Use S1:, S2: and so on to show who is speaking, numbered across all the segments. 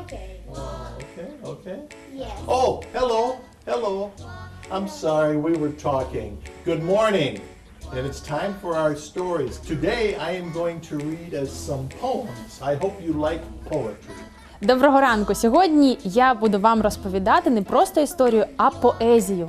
S1: Okay.
S2: Okay.
S1: Yes.
S2: Oh, hello. I'm sorry, we were talking. Good morning. And it's time for our stories. Today I am going to read us some poems. I hope you like poetry.
S3: Доброго ранку! Сьогодні я буду вам розповідати не просто історію, а поезію.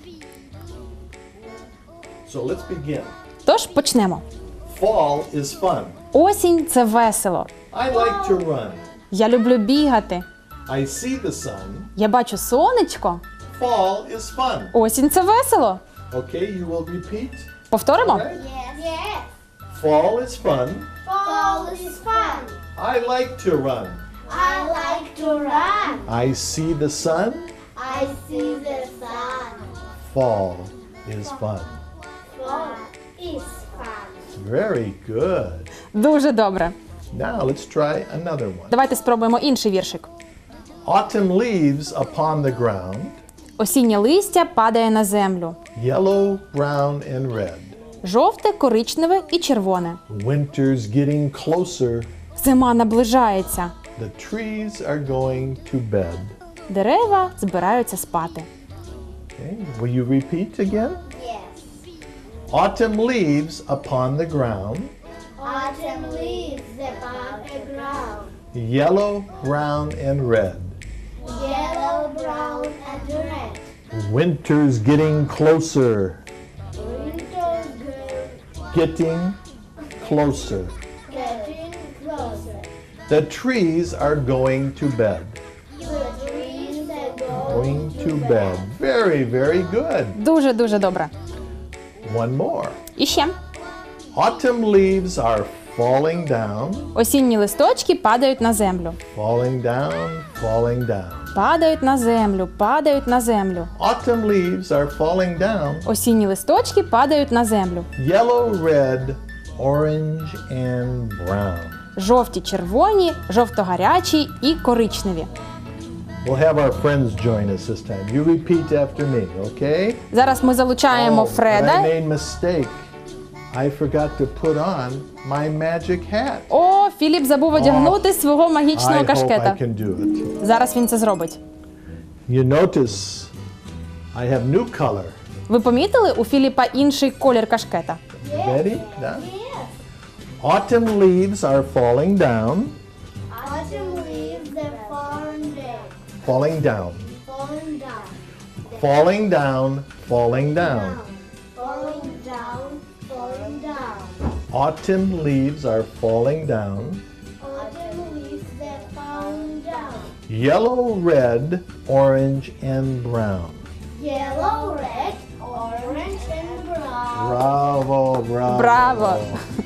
S2: So let's begin.
S3: Тож почнемо.
S2: Fall is fun.
S3: Осінь – це весело.
S2: I like to run.
S3: Я люблю бігати.
S2: I see the sun.
S3: Я бачу сонечко.
S2: Fall is fun.
S3: Осінь – це весело.
S2: Okay, you will repeat.
S3: Повторимо?
S2: Right?
S1: Yes. Yes.
S2: Fall is fun.
S1: Fall is fun.
S2: I like to run.
S1: I like to run.
S2: I see the sun.
S1: I see the sun.
S2: Fall is fun.
S1: Fall is fun.
S2: Very good.
S3: Дуже добре.
S2: Now let's try another one.
S3: Давайте спробуємо інший віршик.
S2: Autumn leaves upon the ground,
S3: Осіннє листя падає на землю.
S2: yellow, brown, and red.
S3: Жовте, коричневе і червоне.
S2: Winter's getting closer.
S3: Зима наближається.
S2: The trees are going to bed.
S3: Дерева збираються спати.
S2: Okay. Will you repeat again?
S1: Yes.
S2: Autumn leaves upon the ground,
S1: Autumn leaves upon the ground.
S2: yellow, brown, and red.
S1: Yellow, brown, and red.
S2: Winter's getting closer.
S1: Winter's
S2: Getting closer.
S1: getting closer.
S2: The trees are going to bed.
S1: The trees are
S2: Going to bed. Very, very good.
S3: Дуже-дуже добре.
S2: One more.
S3: І ще.
S2: Autumn leaves are falling down,
S3: Осінні листочки падають на землю.
S2: falling down, falling down.
S3: Падають на землю, падають на землю.
S2: Autumn leaves are falling down.
S3: Осінні листочки падають на землю.
S2: Yellow, red, orange, and brown.
S3: Жовті, червоні, жовто-гарячі і коричневі.
S2: We'll have our friends join us this time. You repeat after me, okay?
S3: Зараз ми залучаємо
S2: but I
S3: Фреда.
S2: made mistake. I forgot to put on my magic hat.
S3: О, Філіп забув одягнути свого
S2: I
S3: магічного
S2: hope I
S3: кашкета.
S2: can do it.
S3: Зараз він це зробить.
S2: You notice I have new color.
S3: Ви помітили, у Філіпа інший колір кашкета?
S2: Ready? Done? Autumn leaves are falling down.
S1: Autumn leaves are falling down.
S2: Falling down.
S1: Falling down.
S2: Falling down. Falling down.
S1: Falling down. Falling down.
S2: Autumn leaves are falling down.
S1: Autumn leaves are falling down.
S2: Yellow, red, orange, and brown.
S1: Yellow, red, orange, and brown.
S2: Bravo, bravo.
S3: Браво!